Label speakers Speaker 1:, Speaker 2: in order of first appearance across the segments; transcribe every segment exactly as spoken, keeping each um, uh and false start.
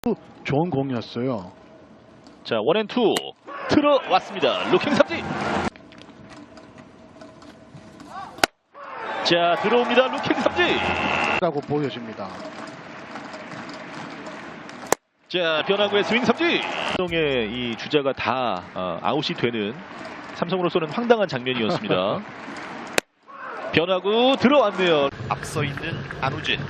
Speaker 1: 좋은 공이었어요.
Speaker 2: 자, 원앤투 들어왔습니다. 루킹 삼진. 자, 들어옵니다. 루킹 삼진.
Speaker 1: 라고 보여집니다.
Speaker 2: 자, 변화구의 스윙 삼진. 삼성의 이 주자가 다 어, 아웃이 되는 삼성으로서는 황당한 장면이었습니다. 변화구 들어왔네요.
Speaker 3: 앞서 있는 안우진.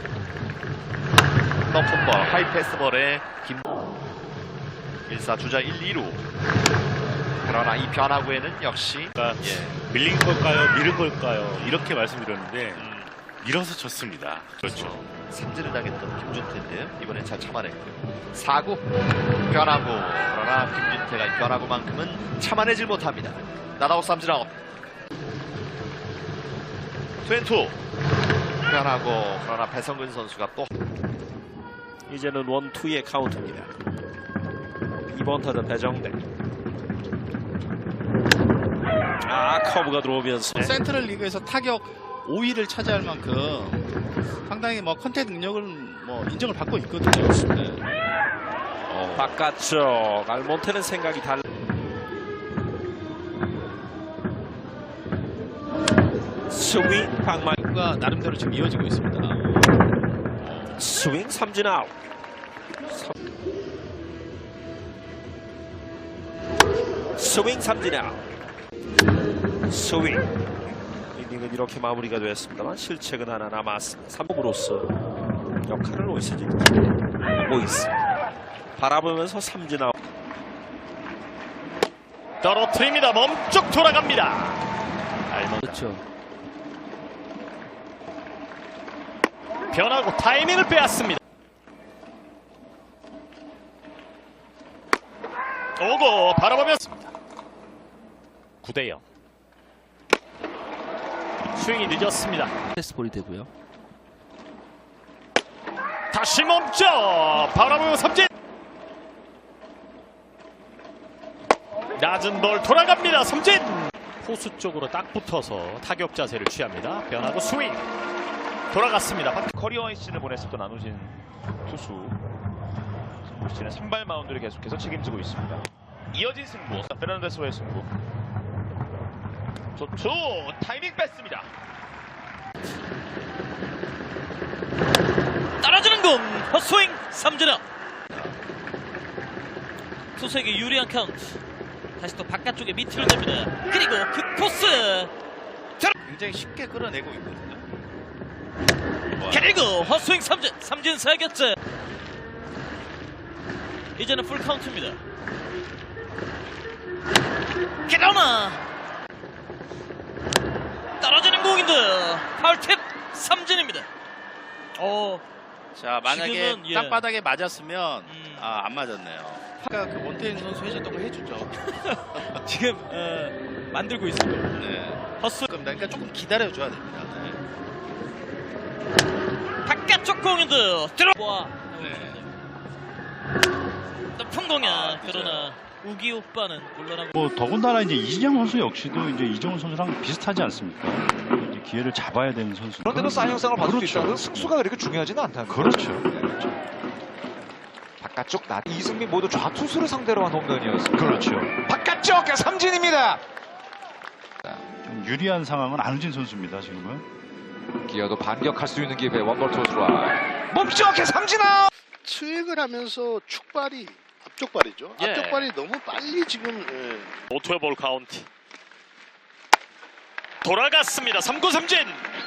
Speaker 3: 높은 볼, 하이 패스볼에 김. 일 사 주자 일, 이 루. 그러나 이 변화구에는 역시
Speaker 4: 예. 밀린 걸까요? 밀은 걸까요? 이렇게 말씀드렸는데 음. 밀어서 쳤습니다. 그렇죠.
Speaker 3: 삼진을 당했던 김준태인데요. 이번엔 잘 참아냈고요. 사 구 변화구. 그러나 김준태가 이 변화구만큼은 참아내질 못합니다. 나다웃 삼진 아웃. 투앤투 변화구. 그러나 배성근 선수가 또
Speaker 5: 이제는 원투의 카운트입니다. 이번 타자 배정대. 아, 커브가 들어오면서
Speaker 6: 센트럴 리그에서 타격 오 위를 차지할 만큼 상당히 뭐 컨택 능력을 뭐 인정을 받고 있거든요. 네.
Speaker 5: 어, 바깥쪽 알몬테는 생각이 달라. 스윙 방망이
Speaker 6: 가 나름대로 지금 이어지고 있습니다.
Speaker 5: 스윙 삼진 아웃. 스윙 삼진 아웃. 스윙. 이닝은 이렇게 마무리가 되었습니다만 실책은 하나 남았습니다. 삼 범으로서 역할을 오이스지 오이스 바라보면서 삼진 아웃.
Speaker 2: 떨어뜨립니다. 멈쩍 돌아갑니다.
Speaker 6: 그렇죠.
Speaker 2: 변화구 타이밍을 빼앗습니다. 오고 바라보면습니다. 구 대 영. 스윙이 늦었습니다.
Speaker 6: 패스볼이 되고요.
Speaker 2: 다시 멈춰 바라보며 삼진. 낮은 볼 돌아갑니다. 삼진. 포수 쪽으로 딱 붙어서 타격 자세를 취합니다. 변화구 스윙 돌아갔습니다. 커리어 시즌을 보냈었던 안우진 투수. 올 시즌 선발 마운드를 계속해서 책임지고 있습니다. 이어진 승부. 페르난데스와의 승부. 좋죠. 타이밍 뺐습니다.
Speaker 7: 떨어지는 공 헛스윙 삼진 아웃. 투수에게 유리한 카운트. 다시 또 바깥쪽에 미트를 냅니다. 그리고 그 코스
Speaker 6: 굉장히 쉽게 끌어내고 있거든요.
Speaker 7: 그리고 헛스윙 삼진. 삼진 사 개째. 이제는 풀 카운트입니다. 그러나 떨어지는 공인데 파울팁 삼진입니다. 어,
Speaker 6: 자, 만약에
Speaker 7: 지금은, 예.
Speaker 6: 땅바닥에 맞았으면
Speaker 7: 음.
Speaker 6: 아, 안 맞았네요. 아까 그 원태인 선수 해줬던 거 해주죠.
Speaker 7: 지금 어, 만들고 있습니다.
Speaker 6: 네.
Speaker 7: 헛스윙.
Speaker 6: 그러니까 조금 기다려줘야 됩니다. 네.
Speaker 7: 바깥쪽 공인데 들어. 와.
Speaker 6: 네.
Speaker 7: 높은 공이야.
Speaker 6: 아,
Speaker 7: 그러나 우기 오빠는 물러나고.
Speaker 8: 뭐 더군다나 이제 이진영 선수 역시도 이제 이정훈 선수랑 비슷하지 않습니까? 이제 기회를 잡아야 되는 선수.
Speaker 9: 그런데도 사인 형상을 받을
Speaker 8: 그렇죠.
Speaker 9: 수 있다는 승수가 그렇게 중요하지는 않다는
Speaker 8: 그렇죠.
Speaker 9: 거죠. 그렇죠. 바깥쪽 나 이승민 모두 좌투수를 상대로 한 홈런이었습니다.
Speaker 8: 그렇죠.
Speaker 9: 바깥쪽 삼진입니다.
Speaker 8: 좀 유리한 상황은 안우진 선수입니다. 지금은.
Speaker 9: 기어도 반격할 수 있는 기회 원볼 투수라 몸쪽에 삼진 아웃.
Speaker 10: 스윙을 하면서 축발이 앞쪽 발이죠.
Speaker 2: 예.
Speaker 10: 앞쪽 발이 너무 빨리 지금 예.
Speaker 2: 오투의 볼 카운트. 돌아갔습니다. 삼 구 삼진.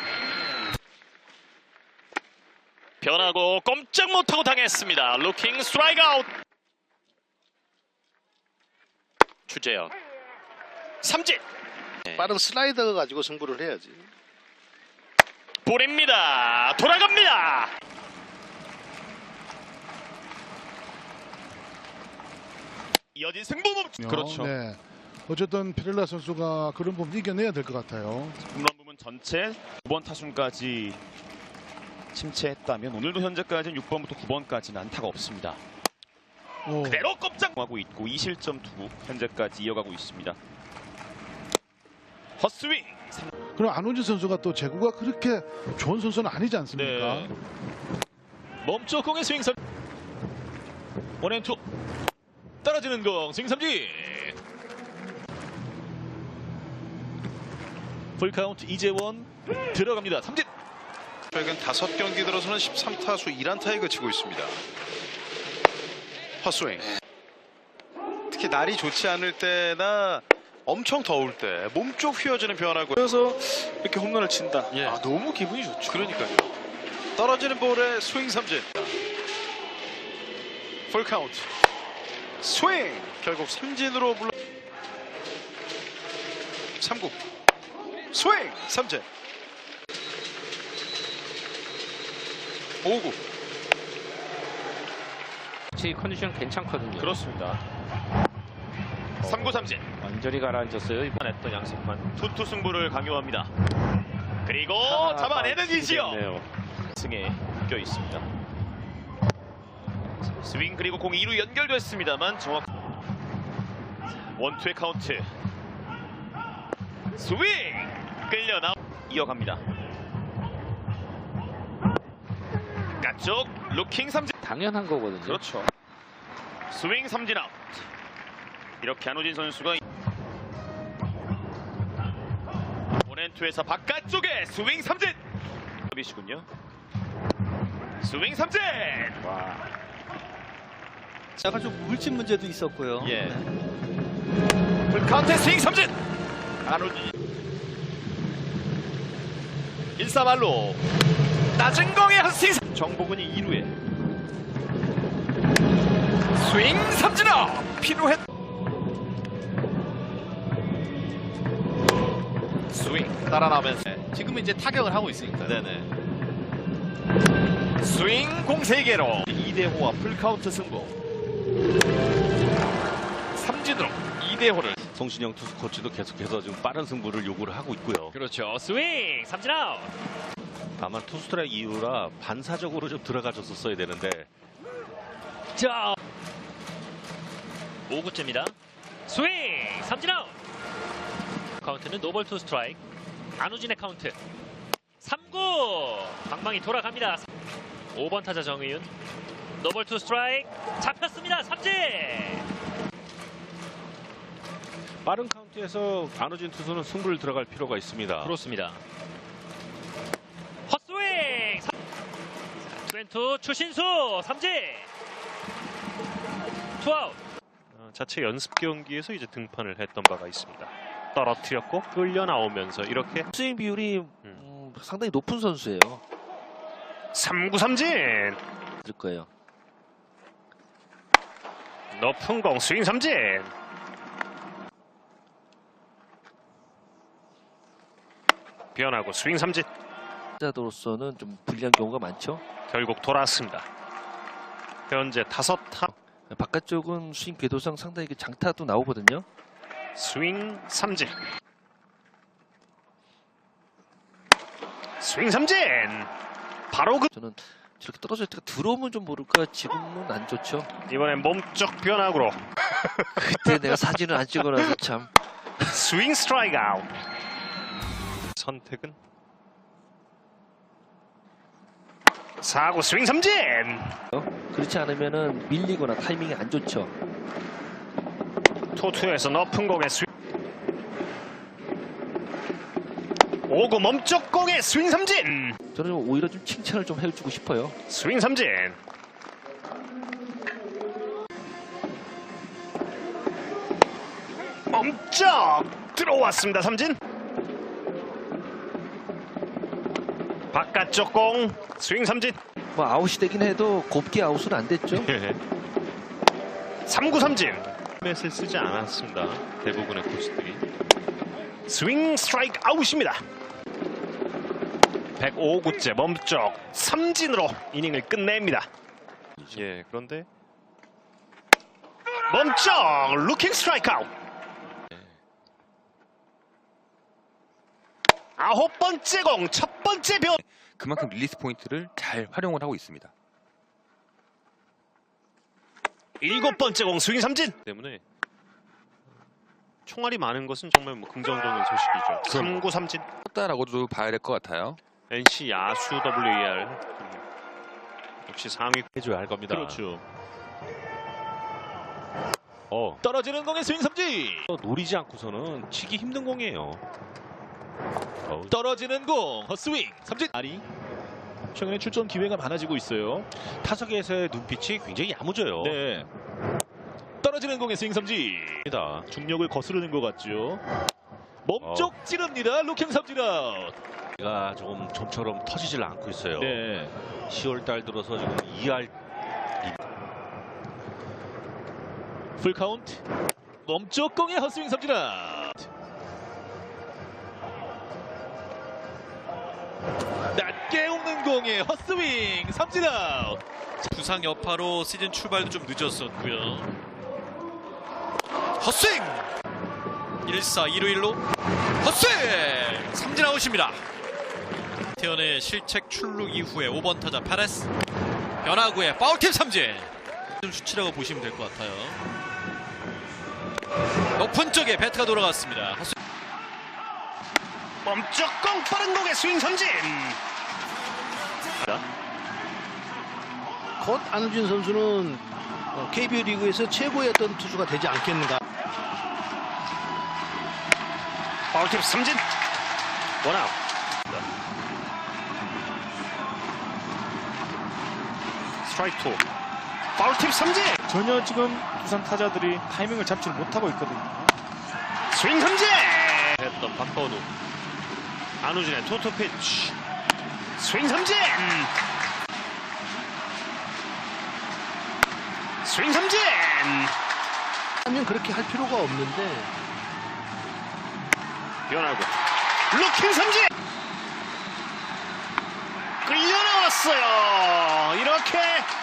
Speaker 2: 변하고 꼼짝 못하고 당했습니다. 루킹 스트라이크 아웃. 추재현 삼진.
Speaker 10: 빠른 슬라이더 가지고 승부를 해야지.
Speaker 2: 볼입니다. 돌아갑니다. 이어진 승부 멈. 그렇죠.
Speaker 1: 네. 어쨌든 피렐라 선수가 그런 부분 이겨내야 될 것 같아요.
Speaker 2: 홈런 부분 전체 구 번 타순까지 침체했다면 오늘도 현재까지는 육 번부터 구 번까지는 안타가 없습니다.
Speaker 1: 오.
Speaker 2: 그대로 꼼짝하고 있고 이 실점 투구 현재까지 이어가고 있습니다. 헛스윙.
Speaker 1: 그럼 안우진 선수가 또 제구가 그렇게 좋은 선수는 아니지 않습니까?
Speaker 2: 네. 멈춰 공의 스윙 선. 원앤투 떨어지는 공 스윙 삼진. 풀카운트 이재원 들어갑니다. 삼진.
Speaker 10: 최근 다섯 경기 들어서는 십삼 타수 일 안타에 그치고 있습니다. 헛스윙. 특히 날이 좋지 않을 때나 엄청 더울 때 몸쪽 휘어지는 변화고. 그래서 이렇게 홈런을 친다.
Speaker 2: 예.
Speaker 10: 아, 너무 기분이 좋죠. 그러니까요. 떨어지는 볼에 스윙 삼진. 풀 카운트. 스윙. 결국 삼진으로 물러. 삼 구. 스윙 삼진. 오 구.
Speaker 5: 제 컨디션 괜찮거든요.
Speaker 2: 그렇습니다. 삼 구 삼진.
Speaker 5: 완전히 가라앉았어요. 이번
Speaker 2: 했던 양승만 투투 승부를 강요합니다. 그리고
Speaker 5: 아,
Speaker 2: 잡아내는 이지영.
Speaker 5: 됐네요.
Speaker 2: 승에 묶여 있습니다. 스윙 그리고 공이 이 루 연결됐습니다만 정확. 원투의 카운트. 스윙 끌려 나 이어갑니다. 가쪽 루킹 삼진.
Speaker 5: 당연한 거거든요.
Speaker 2: 그렇죠. 스윙 삼진 아웃. 이렇게 안우진 선수가 원앤투에서 바깥쪽에 스윙 삼진. 이시군요. 스윙 삼진. 와.
Speaker 6: 약간 좀 물집 문제도 있었고요.
Speaker 2: 예. 풀카운트 스윙 삼진. 안우진. 일 사 말로 낮은 공의 한 스윙. 정복은이 이 루에 스윙 삼진 아웃. 피노했. 스윙 따라 나오면서
Speaker 6: 지금 이제 타격을 하고 있으니까.
Speaker 2: 네네. 스윙 공 세 개로 이 대 호와 풀카운트 승부. 삼진으로 이 대 호를.
Speaker 4: 송신영 투수 코치도 계속해서 지금 빠른 승부를 요구를 하고 있고요.
Speaker 2: 그렇죠. 스윙 삼진 아웃.
Speaker 4: 다만 투 스트라이크 이후라 반사적으로 좀 들어가줬었어야 되는데.
Speaker 7: 자, 오 구째입니다. 스윙 삼진 아웃. 카운트는 노볼 투 스트라이크. 안우진의 카운트. 삼 구 방망이 돌아갑니다. 오 번 타자 정의윤. 노볼 투 스트라이크 잡혔습니다. 삼진.
Speaker 4: 빠른 카운트에서 안우진 투수는 승부를 들어갈 필요가 있습니다.
Speaker 7: 그렇습니다. 헛스윙. 투앤투 추신수 삼진. 투아웃.
Speaker 11: 어, 자체 연습 경기에서 이제 등판을 했던 바가 있습니다. 떨어뜨렸고 끌려 나오면서 이렇게
Speaker 5: 스윙 비율이
Speaker 11: 음.
Speaker 5: 음, 상당히 높은 선수예요.
Speaker 11: 삼 구 삼진.
Speaker 5: 들 거예요.
Speaker 11: 높은 공 스윙 삼진. 변하고 스윙 삼진.
Speaker 5: 타자로서는 좀 불리한 경우가 많죠.
Speaker 11: 결국 돌아왔습니다. 현재 다섯 타.
Speaker 5: 바깥쪽은 스윙 궤도상 상당히 장타도 나오거든요.
Speaker 11: 스윙 삼진. 스윙 삼진. 바로 그.
Speaker 5: 저는 저렇게 떨어질 때가 들어오면 좀 모를까. 지금은 안 좋죠.
Speaker 11: 이번엔 몸쪽 변화구로.
Speaker 5: 그때 내가 사진을 안 찍어놔서 참.
Speaker 11: 스윙 스트라이크 아웃. 선택은 사 구 스윙 삼진.
Speaker 5: 그렇지 않으면은 밀리거나 타이밍이 안 좋죠.
Speaker 11: 토투에서 높은 공에 스윙. 오 구 몸쪽 공에 스윙 삼진.
Speaker 5: 저는 오히려 좀 칭찬을 좀 해주고 싶어요.
Speaker 11: 스윙 삼진. 몸쪽 들어왔습니다. 삼진. 바깥쪽 공 스윙 삼진.
Speaker 5: 뭐 아웃이 되긴 해도 곱게 아웃은 안 됐죠.
Speaker 11: 삼 구 삼진. 맷을 쓰지 않았습니다. 대부분의 코치들이. 스윙 스트라이크 아웃입니다. 백오 구째 몸쪽 삼진으로 이닝을 끝냅니다. 예, 그런데 몸쪽 루킹 스트라이크 아웃. 아홉 번째 공 첫 번째 변.
Speaker 12: 그만큼 릴리스 포인트를 잘 활용을 하고 있습니다.
Speaker 11: 일곱 번째 공 스윙 삼진 때문에 총알이 많은 것은 정말 뭐 긍정적인 소식이죠. 삼 구 삼진.
Speaker 12: 다라고도 봐야 될 것 같아요.
Speaker 11: 엔씨 야수 더블유이알 역시 상위
Speaker 4: 해줘야 할 겁니다.
Speaker 11: 그렇죠. 어.
Speaker 2: 떨어지는 공의 스윙 삼진.
Speaker 11: 노리지 않고서는 치기 힘든 공이에요. 어.
Speaker 2: 떨어지는 공 헛스윙 삼진. 아리 최근에 출전 기회가 많아지고 있어요.
Speaker 11: 타석에서의 눈빛이 굉장히 야무져요.
Speaker 2: 네. 떨어지는 공의 스윙 삼진. 중력을 거스르는 것 같죠. 몸쪽
Speaker 11: 어.
Speaker 2: 찌릅니다. 루킹 삼진 아웃.
Speaker 11: 가 조금 좀처럼 터지질 않고 있어요.
Speaker 2: 네.
Speaker 11: 시월 달 들어서 지금 이 할
Speaker 2: 풀 카운트. 몸쪽 공의 헛스윙 삼진 아웃. 낮게 오는 공의 헛스윙 삼진 아웃.
Speaker 10: 부상 여파로 시즌 출발도 좀 늦었었고요. 헛스윙! 일 사 일 루 일 루 헛스윙! 삼진 아웃입니다. 태연의 실책 출루 이후에 오 번 타자 파레스 변화구에 파울팁 삼진. 좀 수치라고 보시면 될 것 같아요. 높은 쪽에 배트가 돌아갔습니다. 헛스윙.
Speaker 11: 멈쩍 공 빠른 공의 스윙 삼진.
Speaker 6: 곧 안우진 선수는 케이비오 리그에서 최고의 어떤 투수가 되지 않겠는가.
Speaker 11: 파울팁 삼진. 원아웃. 스트라이크 투. 파울팁 삼진.
Speaker 2: 전혀 지금 두산 타자들이 타이밍을 잡지 못하고 있거든요.
Speaker 11: 스윙 삼진. 했던 박건우. 안우진의 투투 피치. 스윙 삼진. 스윙 삼진.
Speaker 6: 하면 그렇게 할 필요가 없는데.
Speaker 11: 변하고 루킹 삼진. 끌려 나왔어요. 이렇게